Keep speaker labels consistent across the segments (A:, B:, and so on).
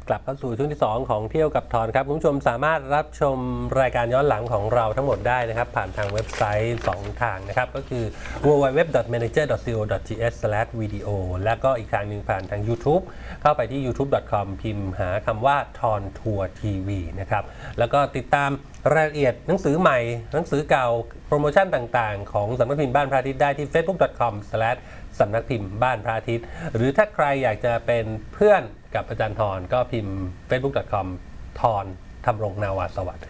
A: กลับเข้าสู่ช่วงที่ 2 ของเที่ยวกับทอนครับคุณผู้ชมสามารถรับชมรายการย้อนหลังของเราทั้งหมดได้นะครับผ่านทางเว็บไซต์ 2 ทางนะครับก็คือ www.manager.co.th/video แล้วก็อีกทางหนึ่งผ่านทาง YouTube เข้าไปที่ youtube.com พิมพ์หาคำว่าทอนทัวร์ทีวีนะครับแล้วก็ติดตามรายละเอียดหนังสือใหม่หนังสือเก่าโปรโมชั่นต่างๆของสำนักพิมพ์บ้านพระอาทิตย์ได้ที่ facebook.com/ สำนักพิมพ์บ้านพระอาทิตย์หรือถ้าใครอยากจะเป็นเพื่อนกับอาจารย์ทรก็พิมพ์ facebook.com ทรธำรงนาวาสวัสดิ์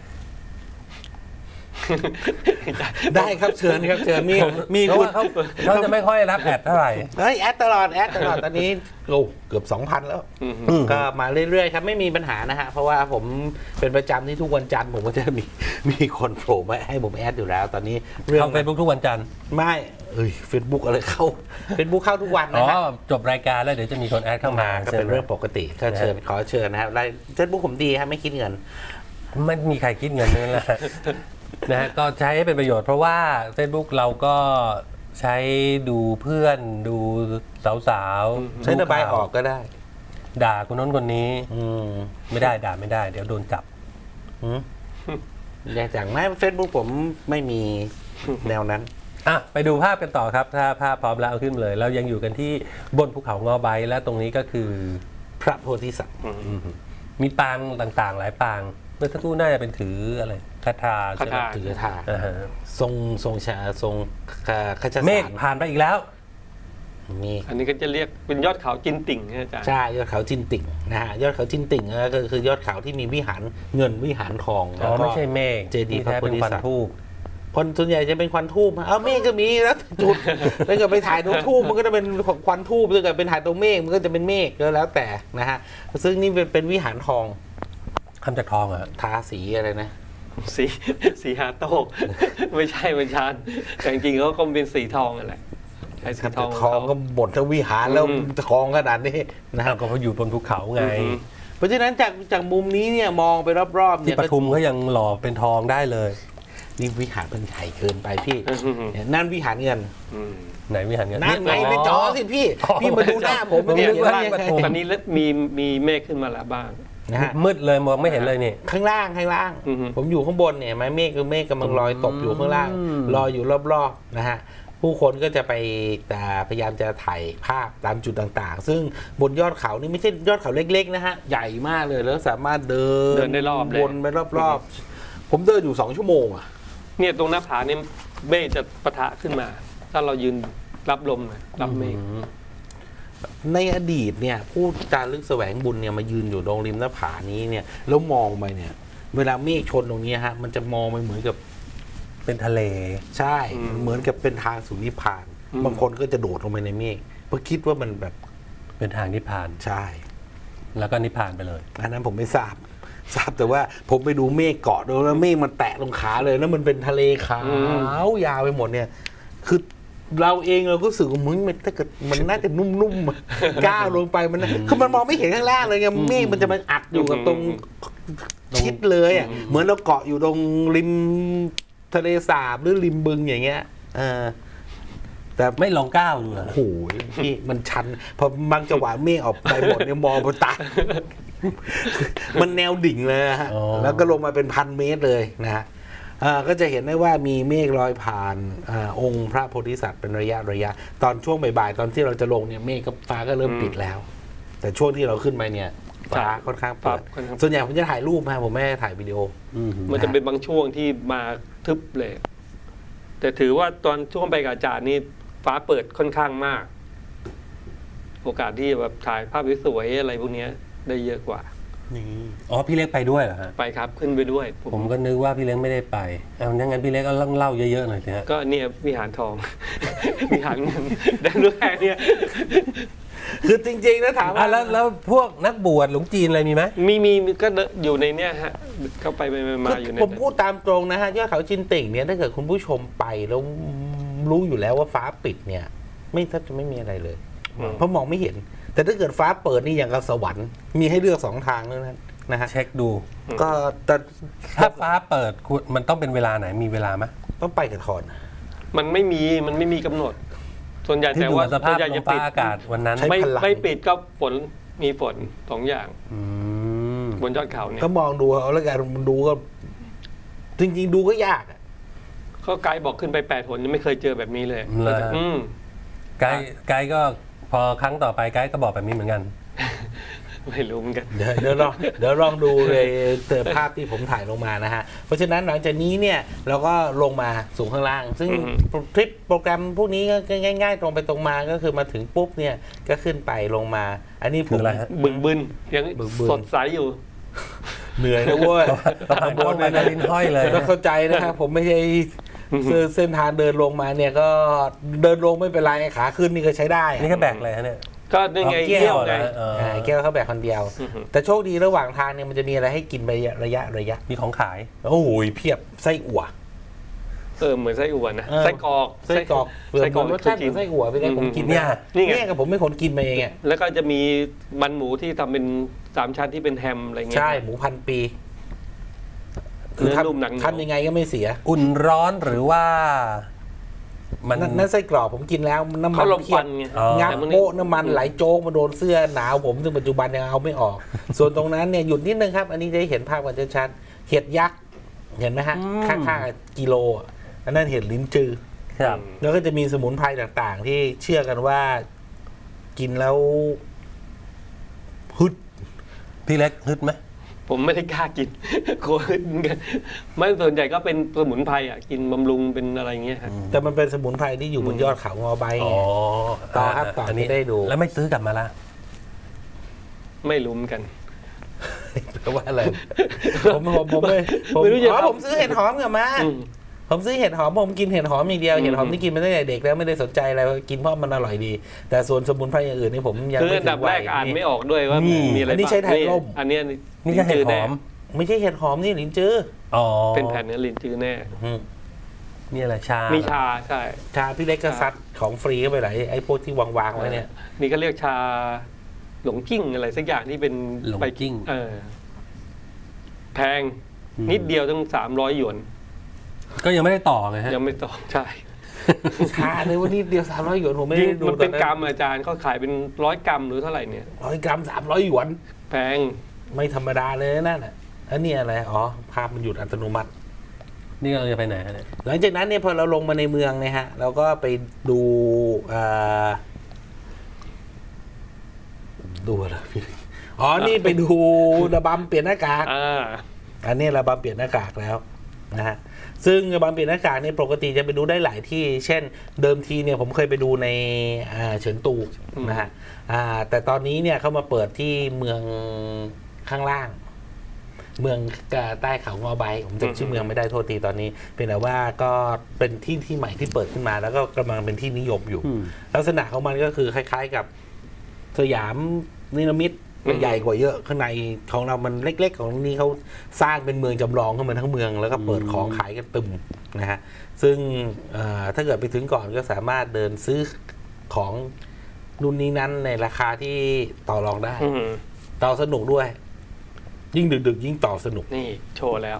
B: ได้ครับเชิญครับเชิญมี
A: เพราะ
B: คุณ
A: ว่าเขาจะไม่ค่อยรับแอดเท่าไหร่
B: แอดตลอดตอนนี้เกือบ 2,000 แล้วก็มาเรื่อยๆครับไม่มีปัญหานะฮะเพราะว่าผมเป็นประจำที่ทุกวันจันทร์ผมก็จะมีคนโผล่มาให้ผมแอดอยู่แล้ว ตอนนี้เรื่อง
A: เข้า Facebook ทุกวันจันทร์
B: ไม่เฟซบุ๊กอะไรเข้าเฟซบุ๊กเข้าทุกวันนะฮะ
A: จบรายการแล้วเดี๋ยวจะมีคนแอดเข้ามา
B: ก็เป็นเรื่องปกติก็เชิญขอเชิญนะครับเฟซบุ๊กผมดีครับไม่คิดเงิน
A: ไม่มีใครคิดเงินนั่นแหละนะฮะก็ใช้ให้เป็นประโยชน์เพราะว่า Facebook เราก็ใช้ดูเพื่อนดูสาวๆ
B: ใช้ระบายออกก็ได้
A: ด่าคนโน้นคนนี้ไม่ได้ด่าไม่ได้เดี๋ยวโดนจับ
B: อย่างจากไม่เฟซบุ๊กผมไม่มีแนวนั้น
A: ไปดูภาพกันต่อครับถ้าภาพพร้อมแล้วเอาขึ้นเลยเรายังอยู่กันที่บนภูเขางอใบและตรงนี้ก็คือ
B: พระโพธิสัตว์
A: มีปางต่างๆหลายปางเมื่อสักครู่น่าจะเป็นถืออะไรคาถาใช่ไหม
B: ถือคาถาทรงชาทรงขจสาร
A: เมฆผ่านไปอีกแล้ว
B: มี
C: อันนี้ก็จะเรียกเป็นยอดเขาจินติ่งนะอาจารย์
B: ใช่ยอดเขาจินติ่งนะฮะยอดเขาจินติ่งก็คือยอดเขาที่มีวิหารเงินวิหารทองแล้วก็
A: ไม่ใช่เมฆ
B: เจดีย์พระโพธิสัตว์
A: ทูบ
B: คนส่วนใหญ่จะเป็นควันทูบเมฆก็มีแล้วจุดถ้าเกิดไปถ่ายตรงทูบมันก็จะเป็นควันทูบถ้าเกิดเป็นถ่ายตรงเมฆมันก็จะเป็นเมฆก็แล้วแต่นะฮะซึ่งนี่เป็นวิหารทอง
A: ทำจากทองเหรอ
B: ทาสีอะไรนะ
C: สีหาโตกไม่ใช่มันชานแต่จริงๆเขาก็เป็นสีทองนั่นแหละใช้สีทอง
B: ก็บดทั้งวิหารแล้วทองขนาดนี้นะฮะ
A: ก็เพราะอยู่บนภูเขาไง
B: เพราะฉะนั้นจากมุมนี้เนี่ยมองไปรอบๆเนี่ย
A: ที่ปทุมก็ยังหล่อเป็นทองได้เลย
B: นี่วิหารมันใหญ่เกินไปพี่นั่นวิหารเงิน
A: ไหนวิหารเงิน
B: นั่นไงในจอสิพี่มาดูหน้าผม
C: เนี่ยตอนนี้มีเมฆขึ้นมาแล้วบ้าง
B: นะฮะ
A: มืดเลยมองไม่เห็นเลยนี่
B: ข้างล่างผมอยู่ข้างบนเนี่ยเมฆกำลังลอยตกอยู่ข้างล่างลอยอยู่รอบๆนะฮะผู้คนก็จะไปพยายามจะถ่ายภาพตามจุดต่างๆซึ่งบนยอดเขานี่ไม่ใช่ยอดเขาเล็กๆนะฮะใหญ่มากเลยแล้วสามารถเดิน
C: ได้รอบ
B: วนไปรอบๆผมเดินอยู่2 ชั่วโมง
C: เนี่ยตรงหน้าผาเนี่ยเมฆจะปะทะขึ้นมาถ้าเรายืนรับลมรับเมฆ
B: ในอดีตเนี่ยผู้จารึกแสวงบุญเนี่ยมายืนอยู่ตรงริมหน้าผานี้เนี่ยแล้วมองไปเนี่ยเวลาเมฆชนตรงนี้ฮะมันจะมองไปเหมือนกับ
A: เป็นทะเล
B: ใช่เหมือนกับเป็นทางสู่นิพพานบางคนก็จะโดดลงไปในเมฆเพราะคิดว่ามันแบบ
A: เป็นทางนิพพาน
B: ใช่
A: แล้วก็นิพพานไปเลย
B: อันนั้นผมไม่ทราบแต่ว่าผมไปดูเมฆเกาะดูแล้วเมฆมันแตะตรงขาเลยแล้วมันเป็นทะเลขาวยาวไปหมดเนี่ยคือเราเองเราก็รู้สึกว่ามึงถ้าเกิดมันน่าจะนุ่มๆก้าวลงไปมันคือมันมองไม่เห็นข้างล่างเลยไงเมฆมันจะมาอัดอยู่กับตรงชิดเลยเหมือนเราเกาะอยู่ตรงริมทะเลสาบหรือริมบึงอย่างเงี้ย
A: แต่ไม่ลองก้าวดูเหรอ
B: โอ้โหพี่มันชันพอบางจังหวะเมฆออกไปหมดเนี่ยมองบนตามันแนวดิ่งเลยฮะแล้วก็ลงมาเป็น1,000 เมตรเลยนะฮะก็จะเห็นได้ว่ามีเมฆลอยผ่านองค์พระโพธิสัตว์เป็นระยะตอนช่วงบ่ายๆตอนที่เราจะลงเนี่ยเมฆกับฟ้าก็เริ่มปิดแล้วแต่ช่วงที่เราขึ้นไปเนี่ยฟ้าค่อนข้างเปิดส่วนใหญ่ผมจะถ่ายรูปมาผมไม่ได้ถ่ายวิดีโอ
C: มันจะเป็นบางช่วงที่มาทึบเลยแต่ถือว่าตอนช่วงไปกับอาจารย์นี่ฟ้าเปิดค่อนข้างมากโอกาสที่แบบถ่ายภาพสวยๆอะไรพวกนี้ได้เยอะกว่า
A: พี่เล็กไปด้วยเหรอฮะ
C: ไปครับขึ้นไปด้วย
A: ผมก็นึกว่าพี่เล็กไม่ได้ไปงั้นพี่เล็กก็เล่าเยอะๆหน่อยสิฮะ
C: ก็เนี่ยวิหารทอง วิหารเงินได้รู้แค่นี้
B: คือจริงๆนะถาม
A: แล้วพวกนักบวชหลวงจีนอะไรมีไหม
C: มีก็อยู่ในเนี้ยฮะเข้าไปมาอยู่ใน
B: ผมพูดตามตรงนะฮะยอดเขาจินติ่งเนี่ยถ้าเกิดคุณผู้ชมไปแล้วรู้อยู่แล้วว่าฟ้าปิดเนี่ยไม่แทบจะไม่มีอะไรเลยเพราะมองไม่เห็นแต่ถ้าเกิดฟ้าเปิดนี่อย่างกับสวรรค์มีให้เลือก2 ทางนั้นนะฮะ
A: เช็คดู
B: ก็แต่
A: ถ้าฟ้าเปิดมันต้องเป็นเวลาไหนมีเวลาไหม
B: ต้องไปกับทอน
C: มันไม่มีกำหนดส่วนใหญ่แต่ว่า
A: ส่วนใหญ่จะปิดอากาศวันนั้น
C: ไม่ปิดก็ฝนมีฝน2 อย่างบนยอดเขาเนี่ย
B: ก็มองดูเอาแล้วกันมันดูก็จริงๆดูก็ยากอะ
C: ก็ไกด์บอกขึ้นไป8 หนยังไม่เคยเจอแบบนี้เลย
A: เหรอ
C: อืม
A: ไกด์ก็พอครั้งต่อไปไกด์ก็บอกแบบนี้เหมือนกัน
C: ไม่รู้เหมือนกัน
B: เดี๋ยวลองดูเลยภาพที่ผมถ่ายลงมานะฮะ เพราะฉะนั้นหลังจากนี้เนี่ยเราก็ลงมาสู่ข้างล่าง ซึ่ง
C: อือฮึ
B: ทริปโปรแกรมพวกนี้ก็ง่ายๆตรงไปตรงมาก็คือมาถึงปุ๊บเนี่ยก็ขึ้นไปลงมา อันนี้ผ
A: คือ
B: ม
A: อะไรฮะ
C: บึนยัง
B: บึน
C: สดใสอยู่
B: เหนื่อยนะเว้ย
A: เราผ่านช่วงไปนะลิ้นห้อยเลย
B: ต้องเข้าใจนะครับผมไม่ใช่เส้นทางเดินลงมาเนี่ยก็เดินลงไม่เป็นไรขาขึ้นนี่ก็ใช้ได้อะ
A: นี่ก็แบกเลยฮะเนี่ย
C: ก็นี่ไง
A: เอาแก้ว
C: เที่ยวไง
A: นะ
B: แก้วเขาแบกคนเดียว
C: อือฮึ
B: แต่โชคดีระหว่างทางเนี่ยมันจะมีอะไรให้กินไประยะ
A: มีของขาย
B: โอ้โหเพียบไส้อั่ว
C: เหมือนไส้อั่วนะ
B: เออ
C: ไส้กรอก
B: ไส้กรอก
C: ไส้กรอก
B: รสชาติเหมือนไส้อั่วไปเลยผมกิน
A: เนี่ย
C: นี่ไง
B: กับผมไม่คนกินมาเองอ่ะ
C: แล้วก็จะมีมันหมูที่ทำเป็น3 ชั้นที่เป็นแฮมอะไรเงี้ย
B: ใช่หมูพันปี
C: เนื้อนุ่มหนังเหนียว
B: ทำยังไงก็ไม่เสีย
A: อุ่นร้อนหรือว่า มัน
B: นั่นไส้กรอกผมกินแล้วน้ำมั
C: เขา
B: น
C: ลม
B: เพี
C: ค
B: ย
C: วั
B: บ
C: นไง
A: อ๋อ
B: งับ
C: แต่มัน
B: โป๊ะน้ำมันไหลโจ๊กมาโดนเสื้อหนาวผมซึ่งปัจจุบันยังเอาไม่ออก ส่วนตรงนั้นเนี่ยหยุดนิดนึงครับ อันนี้จะได้เห็นภาพกันชัดๆเห็ดยักษ์เห็นไหมฮะ ข้างๆกิโลอ่ะอันนั้นเห็ดลิ้นจือ
A: ครับ
B: แล้วก็จะมีสมุนไพรต่างๆ ที่เชื่อกันว่ากินแล้วฮึด
A: พี่เล็กฮึดไหม
C: ผมไม่ได้กล้ากิน กลัวเหมือนกันไม่ส่วนใหญ่ก็เป็นสมุนไพรอ่ะกินบำรุงเป็นอะไรเงี้ยครับ
B: แต่มันเป็นสมุนไพรที่อยู่บนยอดเขางอใบไง ต่อครับต่ออั
A: นนี้
B: ที่ได้ดู
A: แล้วไม่ซื้อกลับมาละ
C: ไม่รู้เหมือนกัน
B: แปลว่าอะไร ผมไม่ผม
C: ไม่รู้จะ
B: อ๋อ
C: ทำ
B: ผมซื้อเห็ดหอมกลับมา
C: อืม
B: ผมซื้อเห็ดหอมผมกินเห็ดหอมอย่างเดียว
C: อืม
B: เห็ดหอมที่กินมาตั้งแต่เด็กแล้วไม่ได้สนใจอะไรกินเพราะมันอร่อยดี แต่ส่วนสมุนไพรอย่างอื่นนี่ผมยัง
C: คือ
B: ไม่
C: อัน
B: ถึ
C: ดับ
B: ง
C: แร
B: วัย
C: กอ่าน
B: นี่
C: ไม่ออกด้วยว่ามีอะไร
B: อันนี้ใช้ไทยร่ม
C: อันเนี้ย
A: นี่ก็เห็ดหอม
B: ไม่ใช่เห็ดหอมนี่หลินจื้อ
A: อ๋อ
C: เป็นแผ่นเนื้อลิ้นจือแน่
B: อืม
A: นี่อะไรชา
C: มี
A: มี
C: ชาใช่
B: ชาพี่เล็กก็ซัดของฟรีเข้าไปหลายไอ้พวกที่วางๆไว้เนี่ย
C: นี่ก็เรียกชาหลงจิ้งอะไรสักอย่างที่เป็น
A: หลงจิ้ง
C: แพงนิดเดียวต้อง300 หยวน
A: ก็ยังไม่ได้ต่อไงฮะ
C: ยังไม่ต้องใช่
B: ชาเลยวันนี้เดียว300 หยวนผมไม่ได้ดู
C: มันเป็น
B: ตอ
C: กรัมอาจารย์เขาขายเป็น100 กรัมหรือเท่าไหร่เนี่ย
B: 100 กรัม300 หยวน
C: แพง
B: ไม่ธรรมดาเลยนะนั่นน่ะอันนี้อะไรอ๋อภาพมันหยุดอัตโนมัติ
A: นี่เราจะไปไหนฮะเนี่ย
B: หลังจากนั้นเนี่ยพอเราลงมาในเมืองเนี่ยฮะเราก็ไปดูดูอะไรพี่อ๋อนี่ไปดูระบำเปลี่ยนหน้ากาก อันนี้ระบำเปลี่ยนหน้ากากแล้วนะฮะซึ่งระบำเปลี่ยนหน้ากากเนี่ยปกติจะไปดูได้หลายที่ เช่น เดิมทีเนี่ยผมเคยไปดูในเฉินตูนะฮะแต่ตอนนี้เนี่ยเขามาเปิดที่เมืองข้างล่าง เมืองใต้เขางอใบผมจำชื่อเมืองไม่ได้โทษทีตอนนี้เป็นแต่ว่าก็เป็นที่ใหม่ที่เปิดขึ้นมา แล้วก็กำลังเป็นที่นิยมอยู่ ลักษณะของมันก็คือคล้ายๆกับสยามนิรมิตใหญ่กว่าเยอะข้างในของเรามันเล็กๆของนี้เขาสร้างเป็นเมืองจำลองขึ้นมาทั้งเมืองแล้วก็เปิดของขายกันตึมนะฮะซึ่งถ้าเกิดไปถึงก่อนก็สามารถเดินซื้อของรุ่นนี้นั้นในราคาที่ต่อรองได้ ต่อสนุกด้วย ยิ่งดึกๆยิ่งต่อสนุก
C: นี่โชว์แล้ว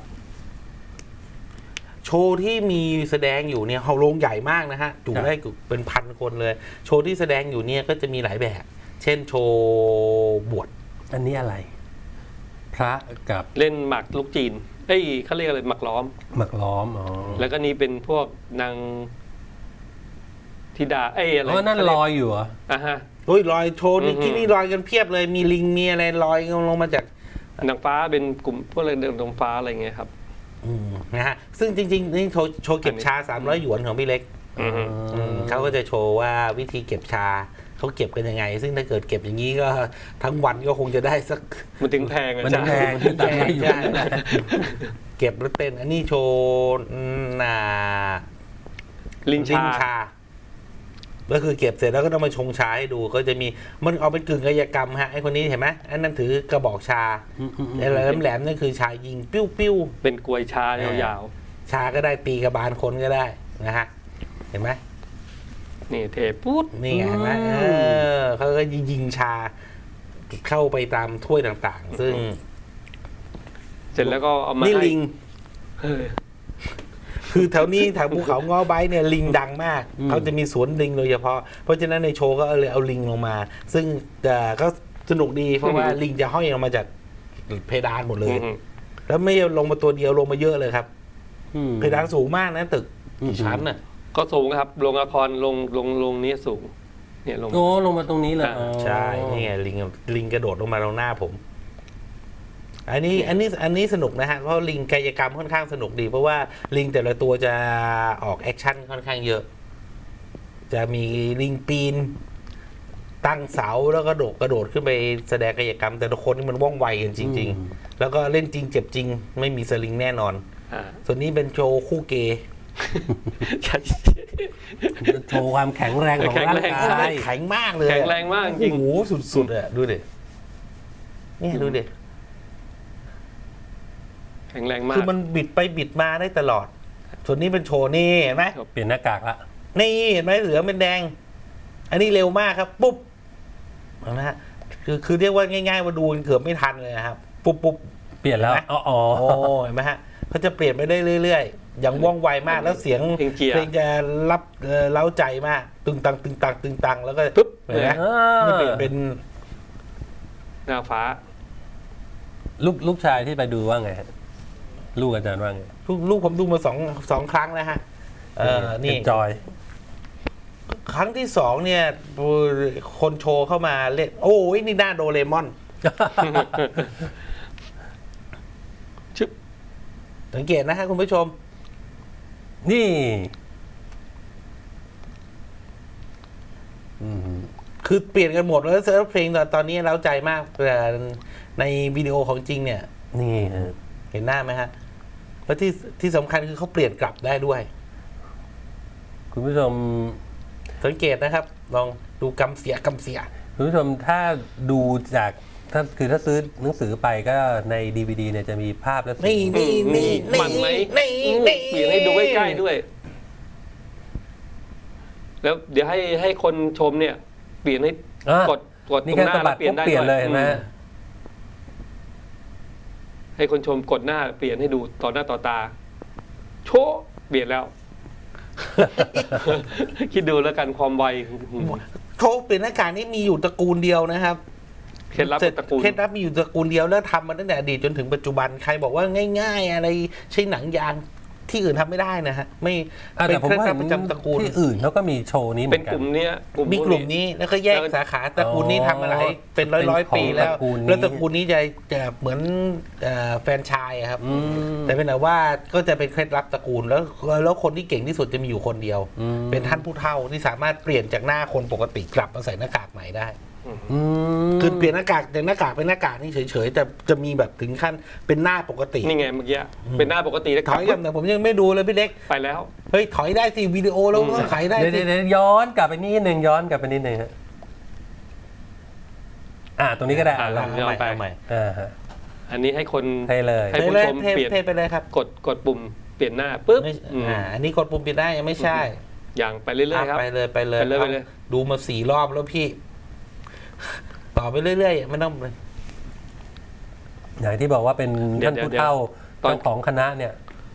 B: โชว์ที่มีแสดงอยู่เนี่ยโรงใหญ่มากนะฮะจุได้เป็นพันคนเลย โชว์ที่แสดงอยู่เนี่ยก็จะมีหลายแบบ เช่นโชว์บวช
A: อันนี้อะไร พระกับ
C: เล่นหมากลูกจีนเขาเรียกอะไรหมากล้อม
A: หมักล้อมอ๋อ
C: แล้วก็นี่เป็นพวกนางธิดาอะไร
A: อ๋อนั่นลอยอยู่เหรอ
C: ฮะ
B: โอ้ยลอยโชว์นี่
C: อือฮึ
B: ที่นี่ลอยกันเพียบเลยมีลิงมีอะไรลอยลงมาจาก
C: นางฟ้าเป็นกลุ่มพวกอะไรเดินตรงฟ้าอะไรเงี้ยครับ
B: นะฮะซึ่งจริงๆนี่โชว์เก็บชา300 หยวนของพี่เล็ก เขาก็จะโชว์ว่าวิธีเก็บชาเขาเก็บกันยังไง ซึ่งถ้าเกิดเก็บอย่างนี้ก็ทั้งวันก็คงจะได้สัก
C: มันถึงแพงอ่ะ
A: มัน
C: จ้ะ
A: แพงที่ตัดไม่อยู่
B: ใช่เก็บแล้วเต้นอันนี้โชว์
C: ลิน
B: ลิ้
C: ชาน
B: ชา ก็คือเก็บเสร็จแล้วก็ต้องมาชงชาให้ดูก็จะมีมันเอาเป็นกึ่งกายกรรมฮะไอคนนี้เห็นไหมอันนั้นถือกระบอกชาไอ้แหลมๆนั่นคือชายิงปิ้ว
C: เป็นกลวยชายาว
B: ๆชาก็ได้ตีกระบาลคนก็ได้นะฮะเห็นไหม
C: ๆนี่เทปุ๊ด
B: นี่ไงเห็นไหมเขาก็ยิงชาเข้าไปตามถ้วยต่างๆ ซึ่ง
C: เสร็จแล้วก็เอามา
B: นี่
C: ให้
B: ลิง
C: เออ
B: คือแถวนี้แถวภูเขาง้อไบเนี่ยลิงดังมาก เขาจะมีสวนลิงโดยเฉพาะ เพราะฉะนั้นในโชว์ก็เลยเอาลิงลงมา ซึ่งก็สนุกดีเพราะว่าลิงจะห้อยลงมาจากเพดานหมดเลย
C: อืม
B: แล้วไม่ลงมาตัวเดียวลงมาเยอะเลยครับ
A: อืม
B: เพดานสูงมากนะตึกกี่ชั้นน่ะ
C: ก็สูงครับโรงละครลงนี้สูง เนี่ยลง
A: โอ้ลงมาตรงนี้เลย
C: อ่า
A: อ๋อ
B: ใช่นี่ไงลิงกระโดดลงมาตรงหน้าผม อันนี้สนุกนะฮะเพราะลิงกายกรรมค่อนข้างสนุกดี เพราะว่าลิงแต่ละตัวจะออกแอคชั่นค่อนข้างเยอะ จะมีลิงปีน ตั้งเสาแล้วก็กระโดดขึ้นไปแสดงกายกรรม แต่ละคนนี่มันว่องไวกันจริง ๆ แล้วก็เล่นจริงเจ็บจริง ไม่มีสลิงแน่นอน
C: อ่า
B: ส่วนนี้เป็นโชว์คู่เกย์
C: ใช่
A: โชว์ความแข็งแรงของร่าง
C: แข็งแรง
A: กาย
B: แข็งมากเลย
C: แข็งแรงมากจริง
B: โอ้โหสุดๆอะดูดินี่ดูดิ
C: แข็งแรงมาก
B: คือมันบิดไปบิดมาได้ตลอด ส่วนนี้เป็นโชว์นี่เห็นไหม
A: เปลี่ยนหน้ากากละ
B: นี่เห็นไหมเหลืองเป็นแดง อันนี้เร็วมากครับ ปุ๊บเห็นไหมฮะคือเรียกว่าง่ายๆว่าดูเกือบไม่ทันเลยนะครับ ปุ๊บ
A: เปลี่ยนแล้ว
B: เห็นไหม
A: อ๋อ
B: โอ้เห็นไหมฮะเขาจะเปลี่ยนไปได้เรื่อยๆ อย่างว่องไวมากแล้วเสียง เพลงจะรับเล้าใจมาก ตึงตังตึงตังตึงตังแล้วก็
C: ปุ๊บ
B: เห็นไหม
A: เออ
B: นี่เปลี่ยนเป็น
C: หน้าฟ้า
A: ลูกชายที่ไปดูว่าไงฮะลูกอาจารย์ว่าไง
B: ลูกผมดูมาสองครั้งแล้วฮะนี่
A: จอย
B: ครั้งที่สองเนี่ยคนโชว์เข้ามาเล่น โอ้ยนี่หน้าโดเรมอน
C: ชึบ
B: สังเกตนะฮะคุณผู้ชม
A: นี่อืม
B: คือเปลี่ยนกันหมดแล้วเซิร์ฟเพลงตอนนี้เร้าใจมากแต่ในวิดีโอของจริงเนี่ย
A: นี่ฮะ
B: เห็นหน้าไหมฮะแล้วที่สำคัญคือเขาเปลี่ยนกลับได้ด้วย
A: คุณผู้ชม
B: สังเกตนะครับ ลองดูกำเสีย
A: คุณผู้ชมถ้าดูจากถ้าซื้อหนังสือไปก็ใน DVD เนี่ยจะมีภาพและเสียง
B: นี่
C: มันไหม
B: นี่
C: เปลี่ยนให้ดูใกล้ๆด้วย แล้วเดี๋ยวให้คนชมเนี่ย เปลี่ยนให้
A: อ่ะ
C: กดต
A: นี่
C: รง
A: แค่
C: หน้า
A: สะบั
C: แล้
A: ด
C: วเปลี่ย
A: ปุ๊
C: น
A: บ
C: ได้
A: เปลี่ยนเลย
C: ด้ว
A: เห็นไหม
C: ให้คนชมกดหน้าเปลี่ยนให้ดูต่อหน้าต่อตา โชะเปลี่ยนแล้ว คิดดูแล้วกันความไว
B: โชว์เปลี่ยนหน้ากากนี่มีอยู่ตระกูลเดียวนะครับ
C: เคล็ดลับตระกูล
B: เคล็ดลับมีอยู่ตระกูลเดียวแล้วทำมาตั้งแต่อดีตจนถึงปัจจุบันใครบอกว่าง่ายๆ อะไรใช้หนังยางที่อื่นทำไม่ได้นะฮะไม่
A: อ่ะ
B: เป็
A: แต่
B: น
A: ผม
B: เคล็ด
A: ว่า
B: ลับประจำตระกูล
A: ที่อื่นเขาก็มีโชว์นี้เหมื
C: เป็
A: อน นกั
C: กลุ่ม
A: น
C: เนี้ย
B: มีกลุ่มนี้แล้วก็แยกสาขาตระกูลนี้ทำมาหลายเป็นร้อย
A: เป็นของ
B: ปีแล้ว
A: ตระกูลนี้
B: แล้วตระกูลนี้จะเหมือนแฟรนไชส์อะครับ
A: อืม
B: แต่เป็นแต่ว่าก็จะเป็นเคล็ดลับตระกูลแล้วคนที่เก่งที่สุดจะมีอยู่คนเดียว
A: อืม
B: เป็นท่านผู้เฒ่าที่สามารถเปลี่ยนจากหน้าคนปกติกลับมาใส่หน้ากากใหม่ได้
A: อืม
B: คือเปลี่ยนหน้ากากจากหน้ากากเป็นหน้ากากนี่เฉยๆแต่จะมีแบบถึงขั้นเป็นหน้าปกติ
C: นี่ไงเมื่อกี้เป็นหน้าปกติแล้ว
B: ถอยกันแต่ผมยังไม่ดูเลยพี่เล็ก
C: ไปแล้ว
B: เฮ้ยถอยได้สิวิดีโอแล้วก็ขายได้
A: เดี๋ยว
B: สิ
A: เดี๋ยวย้อนกลับไปนิดนึงย้อนกลับไปนิดนึงฮะตรงนี้ก็ได้
C: ลอง
B: เอาใหม่
C: ไป
B: เอาใหม่
A: ฮะ
C: อันนี้ให้คน
A: ให้เลย
C: ให้ ผู้ชมเปลี่ยน
B: เทไปเลยครับ
C: กดปุ่มเปลี่ยนหน้าปุ๊บ
B: ไม่
C: อืม
B: อันนี้กดปุ่มปิดได้ยังไม่ใช่
C: อย่างไปเรื่อยๆครับ
B: ไปเลย
C: ไปเลย
B: ดูมา4 รอบแล้วพี่ ต่อไปเรื่อยๆไม่ต้อง
A: อย่างที่บอกว่าเป็นท่านผู้เฒ่า
C: ตอน
A: เจ้าของคณะเนี่ย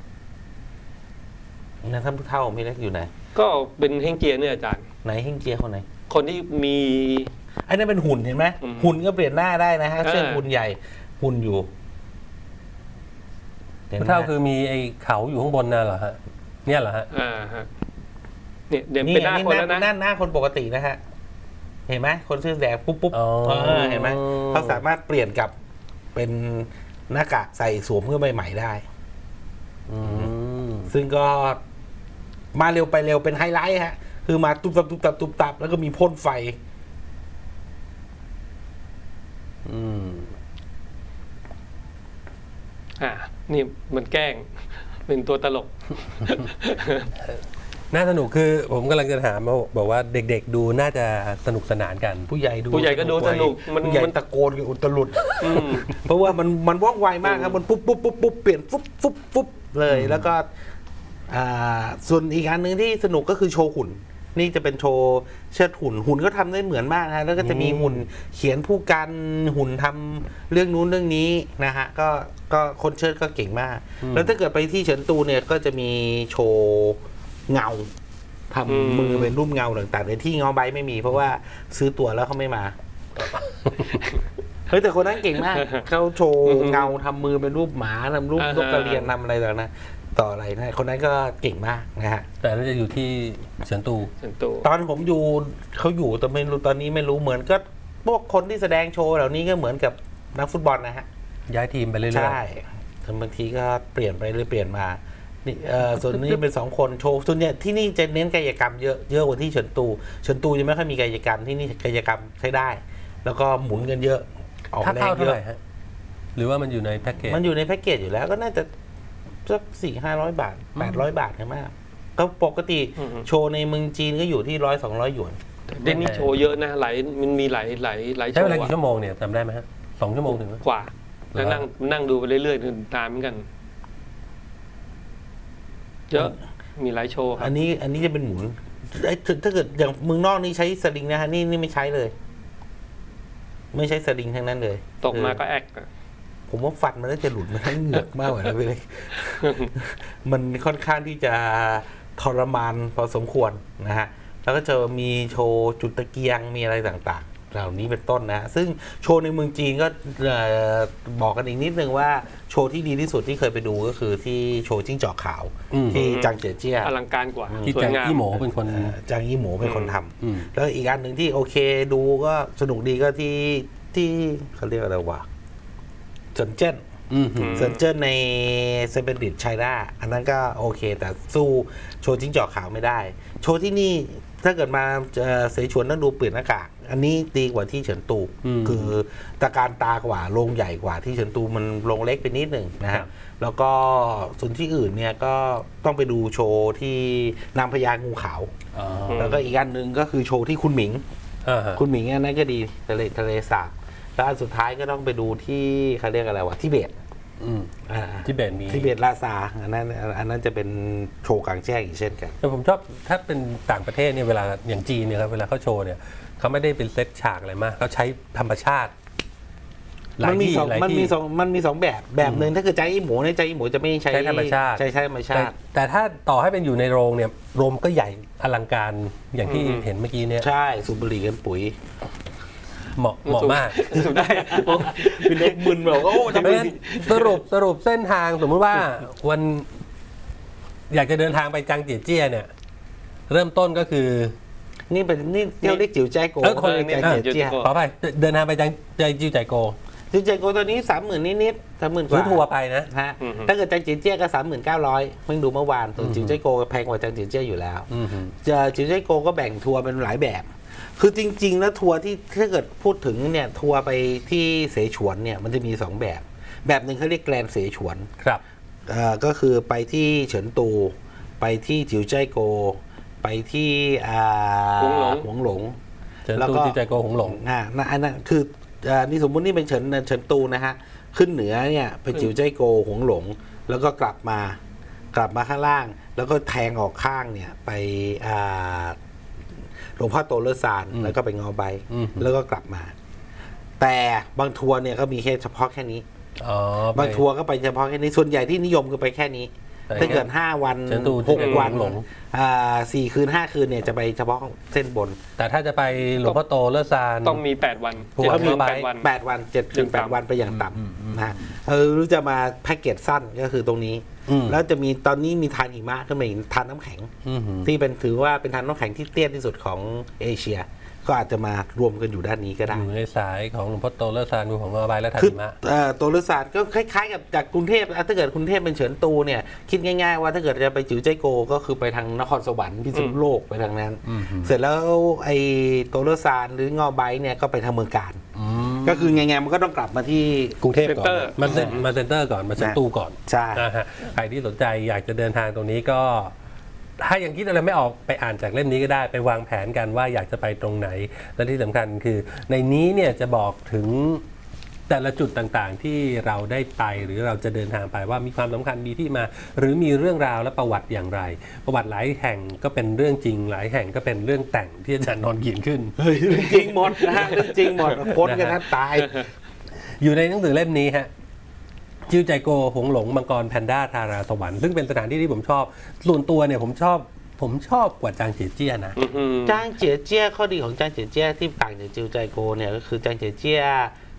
B: นะท่านผู้เฒ่าของพี่เล็กอยู่ไหน
C: ก็เป็นเฮงเจียเนี่ยอาจารย์
B: ไหนเฮงเจียคนไหน
C: คนที่มี
B: อันนี้เป็นหุ่นเห็นไหม
C: อืม
B: หุ่นก็เปลี่ยนหน้าได้นะฮะ
C: เออ
B: เส้นหุ่นใหญ่หุ่นอยู่ห็นไหม
A: ผู้เฒ่าคือมีไอ้เขาอยู่ข้างบนน่ะเหรอฮะเนี่ยเหรอฮะ
C: ฮะเนี่ยเดี๋ยว
B: นี่
C: เป็นหน้า
B: อันนี้
C: คนแล้วนะ
B: หน้าคนปกตินะฮะเห็นไหมคนเสื้อแดงปุ๊บ
A: อ๋อ
B: เห็นไหมเขาสามารถเปลี่ยนกับเป็นหน้ากากใส่สวมเพื่อใหม่ๆได้
A: อืม
B: ซึ่งก็มาเร็วไปเร็วเป็นไฮไลท์ฮะ คือมาตุ๊บตับตุ๊บตับตุ๊บตับแล้วก็มีพ่นไฟ
A: อืม
C: นี่มันแกล้ง เป็นตัวตลก
A: น่าสนุกคือผมกำลังจะถามบอกว่าเด็กๆดูน่าจะสนุกสนานกัน
B: ผู้ใหญ่ดู
C: ผู้ใหญ่ก็ดูสนุกมัน
B: ผู้ใหญ่ตะโกนกันอุตลุด
C: อืม
B: เพราะว่ามันว่องไวมากครับ มันปุ๊บปุ๊บปุ๊บปุ๊บเปลี่ยนฟุบฟุบฟุบเลยแล้วก็ส่วนอีกอันหนึ่งที่สนุกก็คือโชว์หุ่น นี่จะเป็นโชว์เชิดหุ่นก็ทำได้เหมือนมากนะแล้วก็จะมีหุ่นเขียนผู้กันหุ่นทำเรื่องนู้นเรื่องนี้นะฮะก็คนเชิดก็เก่งมาก แล้วถ้าเกิดไปที่เฉินตูเนี่ยก็จะมีโชว์เงาทำมือเป็นรูปเงาต่างๆแต่ที่เงาใบไม่มีเพราะว่าซื้อตั๋วแล้วเขาไม่มาเฮ้ยแต่คนนั้นเก่งมาก เขาโชว์เงาทำมือเป็นรูปหมาทำรูปนกกระเรียนทำอะไรต่างๆนะต่ออะไรนะคนนั้นก็เก่งมากนะฮะ
A: แต่น่าจะอยู่ที่เฉินตู
C: ส่วนตัว
B: ตอนผมอยู่เขาอยู่แต่ไม่รู้ตอนนี้ไม่รู้เหมือนก็พวกคนที่แสดงโชว์เหล่านี้ก็เหมือนกับนักฟุตบอลนะฮะ
A: ย้ายทีมไปเรื่อยๆ
B: ใช่แต่บางทีก็เปลี่ยนไปหรือเปลี่ยนมานี่ส่วนนี้เป็น2 คนโชว์ส่วนเนี่ยที่นี่จะเน้นกายกรรมเยอะกว่าที่เฉินตูยังไม่ค่อยมีกายกรรมที่นี่กายกรรมใช้ได้ แล้วก็หมุนกันเยอะออก
A: ค่า
B: แร
A: เข้าง เท่า
B: เย
A: ไหร่
B: อะ
A: ฮะหรือว่ามันอยู่ในแพ็กเกจ
B: มันอยู่ในแพ็กเกจอยู่แล้วก็น่าจะสัก400-500 บาท800 บาทใช่ไหมก็ปกติโชว์ในเมืองจีนก็อยู่ที่100-200 หยวน
C: เด่นนี่โชว์เยอะนะมันมีหลายโช
A: ใช้เว
C: ว์
A: ลา
C: อะ
A: กี่ชั่วโมงเนี่ยจำได้ไหมฮะ2 ชั่วโมงถึงไหม
C: กว่าแล้วนั่งดูไปเรื่อยๆตามเหมือนกัน เยอะมีหลายโชว์ครั
B: อั
C: บ
B: นนี้จะเป็นหมุนถ้าเกิดอย่างเมืองนอกนี่ใช้สลิงนะฮะนี่ไม่ใช้เลย ไม่ใช้สลิงทั้งนั้นเลย
C: ตกมาก็แอกอะ
B: ผมว่าฟันมันน่าจะหลุดมาทั้งเหงือกมากกว่านั้นไปเลย มันค่อนข้างที่จะทรมานพอสมควรนะฮะ แล้วก็จะมีโชว์จุดตะเกียงมีอะไรต่างๆ เหล่านี้เป็นต้นนะ ซึ่งโชว์ในเมืองจีนก็บอกกันอีกนิดนึงว่าโชว์ที่ดีที่สุดที่เคยไปดูก็คือที่โชว์จิ้งจอกขาว ที่จางเจียเจี้ย
C: อลังการกว่า
A: ที่
C: สว
A: จาย ง
C: งาม
A: อี้โหมเป็นคน
B: จางยี่หมูเป็นคนท
A: อืม
B: ำแล้วอีกอันหนึ่งที่โอเคดูก็สนุกดีก็ที่เขาเรียกอะไรวะเซินเจิ้น เซินเจิ้นในเซเปนดิตไชน่าอันนั้นก็โอเค แต่สู้โชว์จิ้งจอกขาวไม่ได้ โชว์ที่นี่ถ้าเกิดมาเสฉวนต้องดูเปลี่ยนหน้ากากอันนี้ดีกว่าที่เฉินตู คือตะการตากว่าโรงใหญ่กว่าที่เฉินตูมันโรงเล็กไปนิดหนึ่งนะ
A: ครั
B: ฮะ
A: บ
B: แล้วก็ส่วนที่อื่นเนี่ยก็ต้องไปดูโชว์ที่นางพญางูขาว
A: อ๋อ
B: แล้วก็อีกอันหนึ่งก็คือโชว์ที่คุณหมิง
A: อ่าฮะ
B: คุณหมิงอันนั้นก็ดีทะเลสาบแล้วอันสุดท้ายก็ต้องไปดูที่เขาเรียกอะไรวะทิเบต
A: อืม
B: อ่า
A: ที่เบนมี
B: ทิเบตลาซาอันนั้นจะเป็นโชว์กลางแจ้งอีกเช่นกัน
A: แต่ผมชอบถ้าเป็นต่างประเทศเนี่ยเวลาอย่างจีนเนี่ยครับเวลาเขาโชว์เนี่ยเขาไม่ได้เป็นเซตฉากอะไรมากเขาใช้ธรรมชาติหลาย
B: มันมี
A: ที่
B: สอง
A: หลาย
B: มัน
A: ที่
B: มีสองมันมีสองแบบหนึ่งถ้าคือใจอีหมูเนี่ยใจอีหมูจะไม่ใช้
A: ใช้ธรรมชาติ
B: ใช้ธรรมชาติ
A: แต่ถ้าต่อให้เป็นอยู่ในโรงเนี่ยโรงก็ใหญ่อลังการอย่างที่เห็นเมื่อกี้เนี่ย
B: ใช่สูบบุหรี่กันปุ๋ย
A: เหมาะมาก
C: สุดได้
B: เป็นเล็กมึนแบบโอ้
A: เพราะฉะนั้นสรุปเส้นทางสมมติว่าวันอยากจะเดินทางไปจังเจียเจี้ยเนี่ย เริ่มต้นก็คือ
B: นี่เป็นนี่เที่ยวเรียกจิ๋วใจโก
A: คน
B: เรียกใจเจียเจี้ย
A: ขอไปเดินทางไปจังใจจิวใจโก
B: จิ๋วใจโกตัวนี้30,000นิดๆ30,000ก
A: ซื้อ
B: ว่า
A: ทัวร์ไปนะ
B: ฮะถ้าเกิดจังเจียเจี้ยก็39,000เพิ่งดูเมื่อวานส่วนจิ๋วใจโกแพงกว่าจังเจียเจี้ยอยู่แล้ว จะจิ๋วใจโกก็แบ่งทัวร์เป็นหลายแบบ คือจริงๆแล้วทัวร์ที่ถ้าเกิดพูดถึงเนี่ยทัวร์ไปที่เสฉวนเนี่ยมันจะมี2แบบหนึ่งเขาเรียกแกรนด์เสฉวน
A: ครับ
B: ก็คือไปที่เฉินตู ไปที่จิ๋วใจโก ไปที่หวงหลง
A: เฉิน
B: แล้ว
A: ตู
B: ก็
A: จิวใจโกหงหลง
B: อันนั้นคือนี่สมมุตินี่เป็นเฉินตูนะฮะขึ้นเหนือเนี่ยไปจิ๋วใจโกหวงหลง แล้วก็กลับมาข้างล่าง แล้วก็แทงออกข้างเนี่ยไปหลวงพ่อโตเลอซานแล้วก็ไปงอใบ แล้วก็กลับมา แต่บางทัวร์เนี่ยก็มีแค่เฉพาะแค่นี้
A: อ๋อไป
B: บางทัวร์ก็ไปเฉพาะแค่นี้ส่วนใหญ่ที่นิยมก็ไปแค่นี้
A: ไป
B: ถ้าเกิด5 วัน
A: เชิญดูที่
B: 6 วัน
A: หลง
B: 4 คืน 5 คืนเนี่ยจะไปเฉพาะเส้นบน
A: แต่ถ้าจะไปหลวงพ่อโตเลอซาน
C: ต้องมี 8 วัน
A: ทัวร์
C: 7
A: เข้าไป
C: 8 วัน
B: 8 วัน7ถึง8 วันไปอย่างต่ำนะฮะหรือจะมาแพ็กเกจสั้นก็คือตรงนี้ แล้วจะมีตอนนี้มีทานหิมะขึ้นมาอีกทานน้ำแข็ง ที่เป็นถือว่าเป็นทานน้ำแข็งที่เตี้ยที่สุดของเอเชีย ก็อาจจะมารวมกันอยู่ด้านนี้ก็ได้
A: อยู่ในสายของหลวงพ่อโตเลอซานดูของงอใบและทัน
B: คือ
A: หิมะ
B: ตัวฤกษศาสตร์ก็คล้ายๆกับจากกรุงเทพถ้าเกิดกรุงเทพเป็นเฉินตูเนี่ยคิดง่ายๆว่าถ้าเกิดจะไปจิ๋วใจโกก็คือไปทางนครสวรรค์พิษณุโลกไปทางนั้น เสร็จแล้วไอ้ตัวฤกษศาสตร์หรืองอใบเนี่ยก็ไปทางเมืองการ ก็คือไงๆมันก็ต้องกลับมาที่
A: กรุงเทพก่อน
C: เซ็นเตอร์
A: มาเซ็นเตอร์ก่อนมาเซ็นตูก่อน
B: ใช่
A: นะฮะใครที่สนใจอยากจะเดินทางตรงนี้ก็ ถ้ายังคิดอะไรไม่ออกไปอ่านจากเล่มนี้ก็ได้ไปวางแผนกันว่าอยากจะไปตรงไหน และที่สำคัญคือ ในนี้เนี่ยจะบอกถึงแต่ละจุดต่างๆ ที่เราได้ไปหรือเราจะเดินทางไปว่ามีความสำคัญมีที่มา หรือมีเรื่องราวและประวัติอย่างไร ประวัติหลายแห่งก็เป็นเรื่องจริงหลายแห่งก็เป็นเรื่องแต่งที่อาจารย์นนท์เขียนขึ้น
B: เฮ้ยเรื่องจริงหมดนะฮะเรื่องจริงหมดค้นกันนะตาย
A: อยู่ในหนังสือเล่มนี้ฮะจิวใจโกหงหลงมังกรแพนด้าทาราสวรรค์ซึ่งเป็นสถานที่ที่ผมชอบส่วนตัวเนี่ยผมชอบกว่าจางเจียเจี้ยนะ
B: จางเจียเจี้ยข้อดีของจางเจียเจี้ยที่ต่างจากจิวใจโกเนี่ยก็คือจางเจียเจี้ย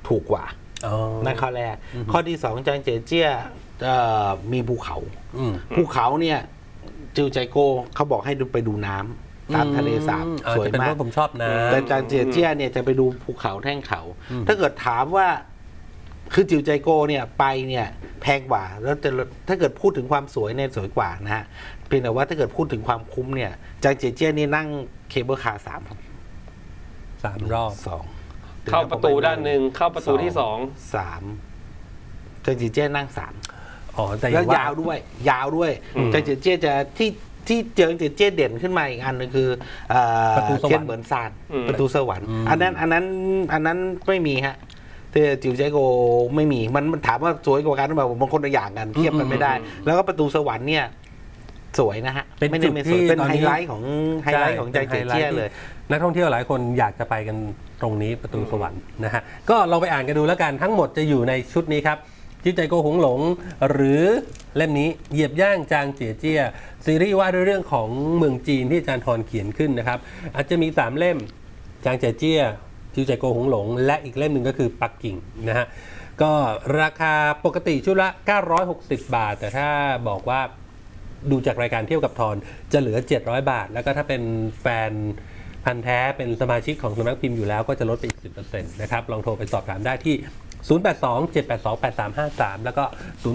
B: ถูกกว่า
A: อ๋อ
B: นั่นข้อแรกข้อที่สองจางเจียเจี้ยมีภูเขา
A: อืม
B: ภูเขาเนี่ยจิวใจโกเขาบอกให้ไปดูน้ำตามทะเลสาบสวย
A: จะเป็น
B: มาก
A: ว่าผมชอบนะ
B: แต่จางเจียเจี้ยเนี่ยจะไปดูภูเขาแท่งเขา ถ้าเกิดถามว่าคือจิวใจโกเนี่ยไปเนี่ยแพงกว่าแล้วแต่ถ้าเกิดพูดถึงความสวยเนี่ยสวยกว่านะฮะเพียงแต่ว่าถ้าเกิดพูดถึงความคุ้มเนี่ยจางเจียเจี้ยนี่นั่งเคเบิลคาร์
A: 3 รอบ
B: สอง
C: เข้าประตูด้านหนึ่งเข้าประตูที่สอง
B: สามจางเจียเจี้ยนั่งสาม
A: อ๋อ แต่
B: แล้วยาวด้วยยาวด้วยจางเจียเจี้ยจะที่เจอเจี้ยเด่นขึ้นมาอีกอันหนึงคือ
A: ประตูสวรรค์
B: เทียนเหมือนซานประตูสวรรค์อันนั้นไม่มีฮะแต่จิวใจโกไม่มีมันถามว่าสวยกว่ากันหรือเปล่าบางคนละอย่างกันเทียบกันไม่ได้ แล้วก็ประตูสวรรค์เนี่ยสวยนะฮะ
A: เป็น
B: ไม่ได้
A: จุด
B: ไม่ส
A: ที่
B: วยเป็น
A: ตอน
B: ไฮ
A: นี้
B: ไลท์ของจางเจียเจี้ยเลย
A: นักท่องเที่ยวหลายคนอยากจะไปกันตรงนี้ประตูสวรรค์นะฮะก็ลองไปอ่านกันดูแล้วกันทั้งหมดจะอยู่ในชุดนี้ครับจิวใจโกหงหลงหรือเล่มนี้เหยียบย่างจางเจียเจี้ยซีรีส์ว่าด้วยเรื่องของเมืองจีนที่อาจารย์ทรเขียนขึ้นนะครับอาจจะมี3เล่มจางเจียเจี้ยจิวใจโกหงหลงและอีกเล่มหนึ่งก็คือปักกิ่งนะฮะก็ราคาปกติชุดละ960 บาทแต่ถ้าบอกว่าดูจากรายการเที่ยวกับทอนจะเหลือ700 บาทแล้วก็ถ้าเป็นแฟนพันธ์แท้เป็นสมาชิกของสำนักพิมพ์อยู่แล้วก็จะลดไปอีก 10% นะครับลองโทรไปสอบถามได้ที่ 082-782-8353 แล้วก็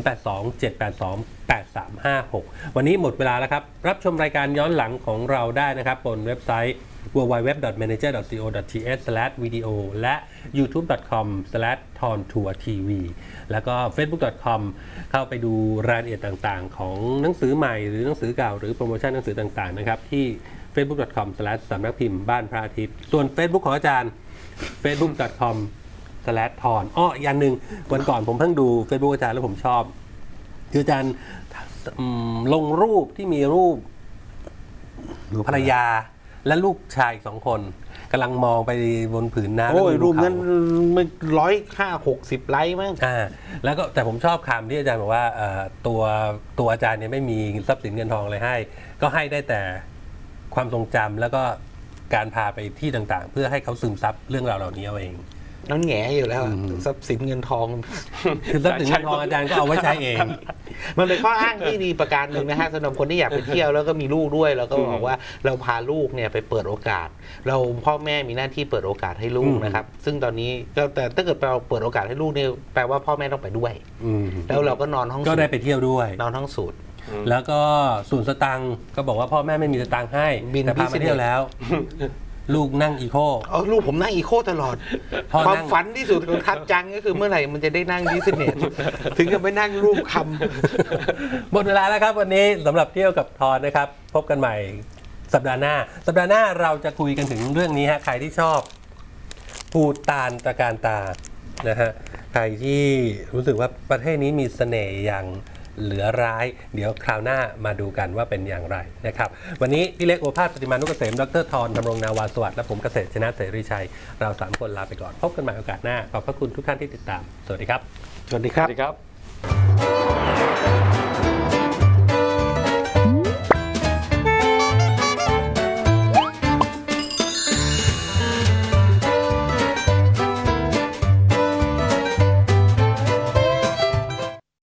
A: 082-782-8356 วันนี้หมดเวลาแล้วครับ รับชมรายการย้อนหลังของเราได้นะครับบนเว็บไซต์ www.manager.co.th/video และ youtube.com/tontourtv แล้วก็ facebook.com เข้าไปดูรายละเอียดต่างๆ ของหนังสือใหม่หรือหนังสือเก่าหรือโปรโมชั่นหนังสือต่างๆนะครับที่ facebook.com/ สำนักพิมพ์บ้านพระอาทิตย์ส่วน Facebook ของอาจารย์ facebook.comทอนอีกอันหนึ่งวันก่อนผมเพิ่งดู Facebook อาจารย์แล้วผมชอบคืออาจารย์ลงรูปที่มีรูปภรรยาและลูกชายอีก2 คนกำลังมองไปบนผืนน้ำ
B: โอ้ย
A: แล้วมี
B: รูปนั้น
A: เขา
B: มัน150-160 ไลค์มั้ง
A: แล้วก็แต่ผมชอบคำที่อาจารย์บอกว่าตัวอาจารย์เนี่ยไม่มีทรัพย์สินเงินทองอะไรให้ ก็ให้ได้แต่ความทรงจำแล้วก็การพาไปที่ต่างๆ เพื่อให้เขาซึมซับเรื่องราวเหล่านี้เอาเอง
B: นั่นแง่อยู่แล้วอะทรัพย์สินเงินทอง
A: คือทรัพย์สินเงินทองอาจารย์ก็เอาไว้ใช้เอง
B: มันเป็นข้ออ้างที่ดีประการหนึ่งนะฮะสำหรับคนที่อยากไปเที่ยวแล้วก็มีลูกด้วยเราก็บอกว่าเราพาลูกเนี่ยไปเปิดโอกาส เราพ่อแม่มีหน้าที่เปิดโอกาสให้ลูกนะครับซึ่งตอนนี้แต่ถ้าเกิดเราเปิดโอกาสให้ลูกเนี่ยแปลว่าพ่อแม่ต้องไปด้วยแล้วเราก็นอนห้อง
A: ก็
B: สู
A: ได้
B: ตร
A: ไปเที่ยวด้วย
B: นอนห้องสูตร
A: แล้วก็ศูนย์สตังค์ก็บอกว่าพ่อแม่ไม่มีสตังค์ให้
B: บิน
A: แต่พามาเที่ยวแล้ว ลูกนั่งอีโค
B: เอาลูกผมนั่งอีโคตลอด
A: พ่อนั่ง
B: ความฝันที่สุดของทัดจังก็คือเมื่อไหร่มันจะได้นั่งดิสเนสถึงจะไปนั่งรูปคำ
A: หมดเวลาแล้วครับวันนี้สำหรับเที่ยวกับทอนนะครับ พบกันใหม่สัปดาห์หน้าเราจะคุยกันถึงเรื่องนี้ฮะใครที่ชอบภูฏานตระการตานะฮะใครที่รู้สึกว่าประเทศนี้มีเสน่ห์อย่างเหลือร้ายเดี๋ยวคราวหน้ามาดูกันว่าเป็นอย่างไรนะครับวันนี้พี่เล็กโอภาสปฏิมานุกเกษมดร.ทรดำรงนาวาสวัสดิ์และผมเกษตรชนะเสรีชัยเรา3 คนลาไปก่อนพบกันใหม่โอกาสหน้าขอบพระคุณทุกท่านที่ติดตามสวัสดีครับ
B: สวัสดีครับ
C: สวัสดีครับ